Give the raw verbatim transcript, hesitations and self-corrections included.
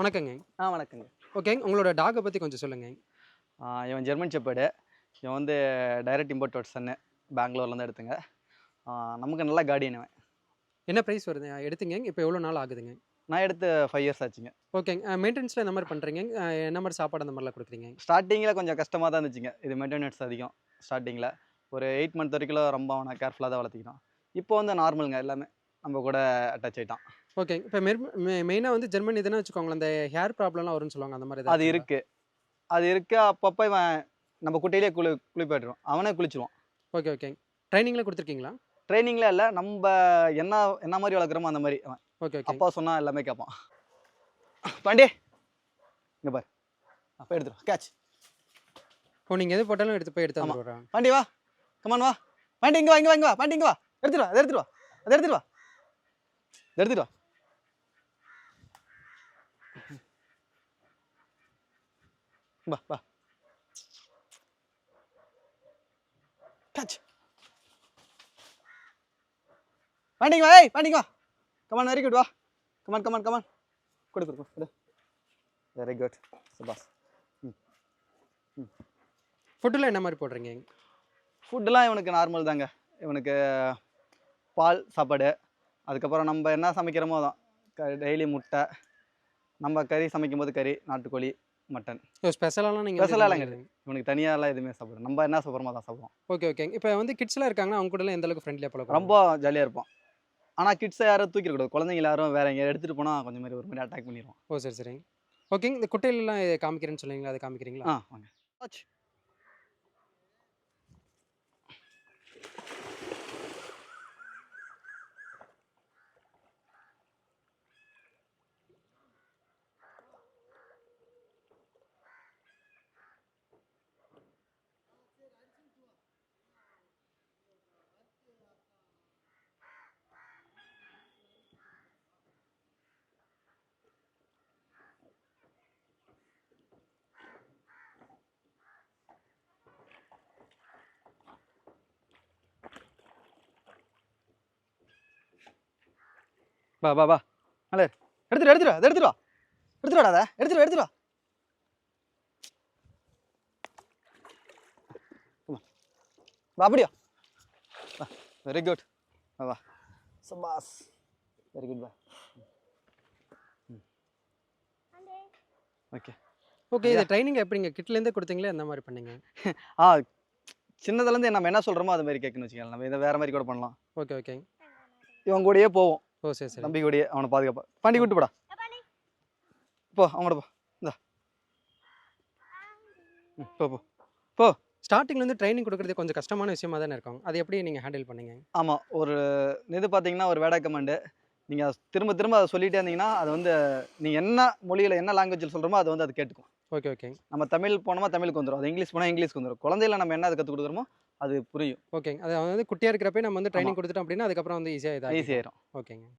வணக்கங்க. ஆ வணக்கங்க. ஓகேங்க. உங்களோட டாக்க பத்தி கொஞ்சம் சொல்லுங்க. ஆ இவன் ஜெர்மன் ஷெப்பர்டு. இவன் வந்து டைரக்ட் இம்போர்ட்டட் சன்னு. பெங்களூர்லேருந்து எடுத்தேங்க. ஆ நமக்கு நல்ல கார்டியன் இவன். என்ன பிரைஸ் வருது எடுத்தீங்க? இப்போ எவ்வளோ நாள் ஆகுதுங்க? நான் எடுத்து ஐந்து இயர்ஸ் ஆச்சுங்க. ஓகேங்க. அ மெயின்டனன்ஸ்லாம் எந்த மாரி பண்றீங்க? அ என்ன மாரி சாப்பாடு அந்த மாரிலாம் குடுக்குறீங்க? ஸ்டார்ட்டிங்கில கொஞ்சம் கஷ்டமா தான் இருந்துச்சுங்க. இது மெயின்டனன்ஸ் அதிகம் ஸ்டார்ட்டிங்கில. ஒரு எட்டு மந்த் வரைக்கும் ரொம்ப அவன கேர்ஃபுல்லா தான் வளர்த்திக்கிட்டோம். இப்போ வந்து நார்மல்ங்க எல்லாமே. நம்ம கூட அட்டாச் ஆயிட்டான். ஓகேங்க. இப்போ மெர் மெ மெயினா வந்து ஜெர்மன் இதுன்னு வச்சுக்கோங்களேன், அந்த ஹேர் ப்ராப்ளம்லாம் வரும்னு சொல்லுவாங்க. அந்த மாரி அது ஏதாச்சுங்களா? இருக்கு. அது இருக்கு. அப்பப்ப இவன் நம்ம குட்டையிலேயே குளி குளிப்பாட்டிருவோம். அவனே குளிச்சுருவான். ஓகே, ஓகேங்க. ட்ரெய்னிங்லாம் குடுத்துருக்கீங்களா? ட்ரெய்னிங்ல இல்ல. நம்ப என்ன என்ன மாரி வளர்க்குறோமோ அந்த மாரி அவன். ஓகே, ஓகேங்க. அப்பா சொன்னா எல்லாமே கேட்பான். பாண்டி இங்க பாரு. போய் எடுத்துட்டு வா. கேட்ச். ஓ! நீங்க எது போட்டாலும் எடுத்து போய் எடுத்து ஆமா. வந்துருவாரா? பாண்டி வா. கமான் வா. பாண்டி இங்க வா, இங்க வா, இங்க வா. பாண்டி இங்க வா. எடுத்துட்டு வா. அத எடுத்துட்டு வா. அத எடுத்துட்டு வா. அத எடுத்துட்டு வா. வா, வா. கேட்ச். பாண்டி இங்க வா. ஏய், பாண்டி இங்க வா. கமான் வெரி குட் வா. Come on, come on, come on. குடு, குடு, குடு. Very good. சபாஸ். ம். ம். ஃபுட்லாம் என்ன மாரி போடுறீங்க? ஃபுட்லாம் இவனுக்கு நார்மல் தாங்க. இவனுக்கு பால் சாப்பாடு. அதுக்கப்புறம் நம்ம என்ன சமைக்கிறோமோ அதான். க டெய்லி முட்டை. நம்ம கறி சமைக்கும்போது கறி, நாட்டுக்கோழி, மட்டன். ஓ! ஸ்பெஷலாலாம் நீங்க வந்து ஸ்பெஷலாலாம் எதுவுமே கிடையாது. இவனுக்கு தனியாலாம் எதுவுமே சாப்பிடுறோம். நம்ம என்ன சாப்பிடுறோமோ அதான் சாப்பிடுவான். ஓகே, ஓகேங்க. இப்போ வந்து கிட்ஸ்லாம் இருக்காங்கன்னா, அவங்க கூடலாம் எந்த அளவுக்கு ஃப்ரெண்ட்லியா ரொம்ப பழகுவாங்க? ஜாலியா இருப்பான். ஆனா கிட்ஸ யாரும் தூக்கிடக்கூடாது. குழந்தைங்கள யாரும் வேற எங்கேயாவது எடுத்துட்டு போனா கொஞ்சம் மாரி ஒரு மாரி அட்டாக் பண்ணிருவான். ஓ! சரி, சரிங்க. ஓகேங்க. இந்த குட்டையிலலாம் காமிக்கிறேன்னு சொன்னீங்களா? அத காமிக்கிறீங்களா? ஆ வாங்க. வாட்ச். வா, வா, வா. மேல ஏறு. எடுத்துட்டு எடுத்துட்டு வா. அத எடுத்துட்டு வா. எடுத்துட்டு வாடா அத. எடுத்துட்டு வா, எடுத்துட்டு வா. வா அப்படியா. வா. Very good. வா, வா. சபாஸ். வெரி குட் வா. ம். ஓகே. ஓகே. இது ட்ரெய்னிங் எப்படிங்க? கிட்லேருந்தே குடுத்தீங்களா? எந்த மாரி பண்ணீங்க? ஆ சின்னதுலேருந்து நம்ம என்ன சொல்றோமோ அது மாரி கேட்கணும்னு வச்சுக்கோங்களேன். நம்ம இத வேற மாரி கூட பண்ணலாம். ஓகே, ஓகேங்க. இவன் கூடயே போவோம். ஓ! சரி, சரி. தம்பி கூடயே அவன பாதுகாப்பா. பாண்டி ஓ! கூட்டு போடா. போ அவன் கூட போ. இந்தா. ம். போ, போ. போ. ஸ்டார்ட்டிங்லேருந்து ட்ரெய்னிங் குடுக்குறது கொஞ்சம் கஷ்டமான விஷயமா தானே இருக்கும். அது எப்படி நீங்க ஹேண்டில் பண்ணீங்க? ஆமா. ஒரு இது பார்த்தீங்கன்னா, ஒரு வேடா கமாண்டு. நீங்க திரும்ப திரும்ப அத சொல்லிட்டே இருந்தீங்கன்னா, அது வந்து நீங்க என்ன மொழியில என்ன லாங்குவேஜ்ல சொல்றோமோ அது வந்து அது கேட்டுக்கும். ஓகே, ஓகேங்க. நம்ம தமிழ் போனோமா தமிழுக்கு வந்துரும். அது இங்கிலீஷ் போனா இங்கிலீஷ்க்கு வந்துரும். குழந்தையில நம்ம என்ன அது கத்துக் குடுக்குறோமோ அது புரியும். ஓகேங்க. அது வந்து குட்டியா இருக்கிறப்பயே நம்ம வந்து ஆமா. ட்ரெய்னிங் குடுத்துட்டோம் அப்படின்னா, அதுக்கப்புறம் வந்து ஈஸியா ஈஸி இதாக்கிக்கும். ஆயிரும். ஓகேங்க.